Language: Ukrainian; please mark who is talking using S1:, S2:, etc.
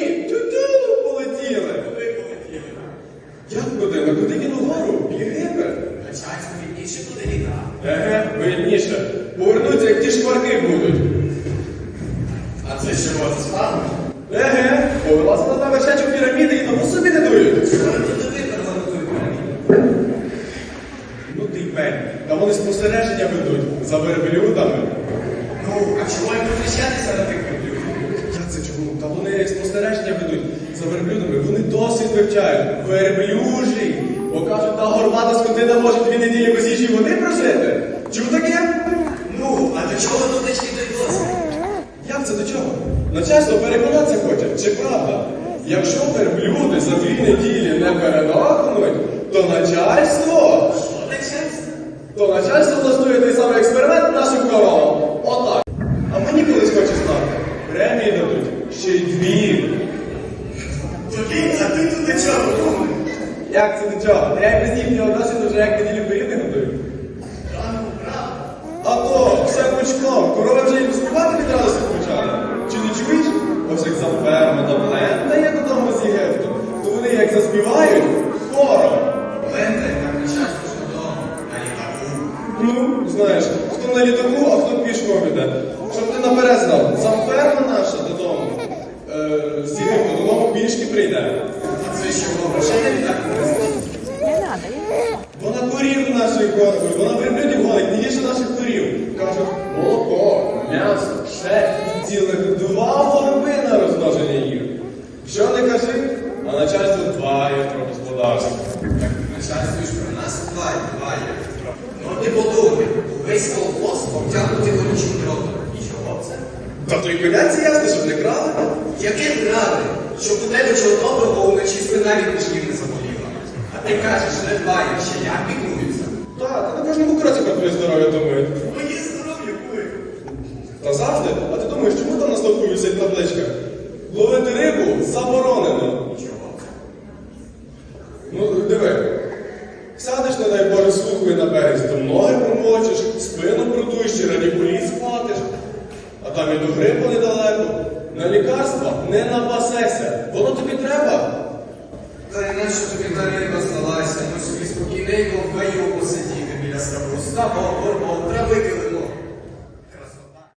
S1: Тю-тю, полетіли.
S2: Куди полетіли?
S1: Як куди? На куди він угору? В Єгипет.
S2: Начальство відніше туди літа.
S1: Еге, вільніше. Повернуться, як ті шкварки будуть.
S2: А це що вас справа?
S1: Еге, повелася на вершечок піраміди і тому собі не дують.
S2: Чого ви туди переговорили піраміду?
S1: Ну ти й пень. Та вони спостереження ведуть за верблюдами.
S2: Ну, а чого їм захищатися на тих верблюдів?
S1: Як це чому? Та вони спостереження ведуть за верблюдами. Вони досвід вивчають. Верблюжі. Бо кажуть, та горбата скотина може 2 неділі без їжі води прожити. Чув таке?
S2: Ну, а до чого дотичний той досвід?
S1: Як це до чого? Начальство переконатися хоче, чи правда? Якщо верблюди за 2 неділі не передохнуть, то начальство...
S2: Що начальство?
S1: То начальство влаштує той самий експеримент нашим коровам. Отак. А мені колись хочеш знати. Премії дадуть. Ще й 2.
S2: Тобі, а ти тут до чого думаєш?
S1: Як це до чого? Я без їхнього досвіду вже як неділю пиріг не готую.
S2: Правильно, правда.
S1: А то, все пучком. Корови вже і співати від радості почали. Чи не чуєш? Ось як замферма та плентає додому з Єгипту, то вони як заспівають хором.
S2: Ленте, так начальство ж додому, на літаку.
S1: Ну, знаєш, хто на літаку, а хто пішком іде. Щоб ти наперед знав, замферма наша додому, з Єгипту додому пішки прийде.
S2: А це що, грошей на літаку?
S3: Не надо, я
S1: Вона корів нашої корпує, вона верблюдів гонить, не їже наших корів. Кажуть, молоко, м'ясо, ще цілих 2 горби на розмноження їх. Що не кажи, а начальство дбає про господарство.
S2: Так начальство ж про нас дбає. Ну ти подумай, увесь колхоз обтягнутий горючим дротом. І чого це?
S1: Та то й коняці ясно, щоб не крали.
S2: Яке правда, щоб у тебе чого доброго вночі спина від мішків не заболіла. А ти кажеш, не дбаєш, ще як піклуються.
S1: Та на кожному кроці про твоє здоров'я думають.
S2: Моє здоров'я кує.
S1: Та завжди? А ти думаєш, чому там на стовпу висить табличка? Ловити рибу заборонено.
S2: Чого це?
S1: Ну, диви. Сядеш, не дай Боже, слухою на березі, то ноги промочиш, спину протуєш, чи радикуліт схватиш. А там і до грипу недалеко. На лікарства не напасешся. Воно тобі треба.
S2: Та іначе тобі та риба здалася, ну собі спокійненько в гаю посидіти біля ставу. Ставок, горбом, травики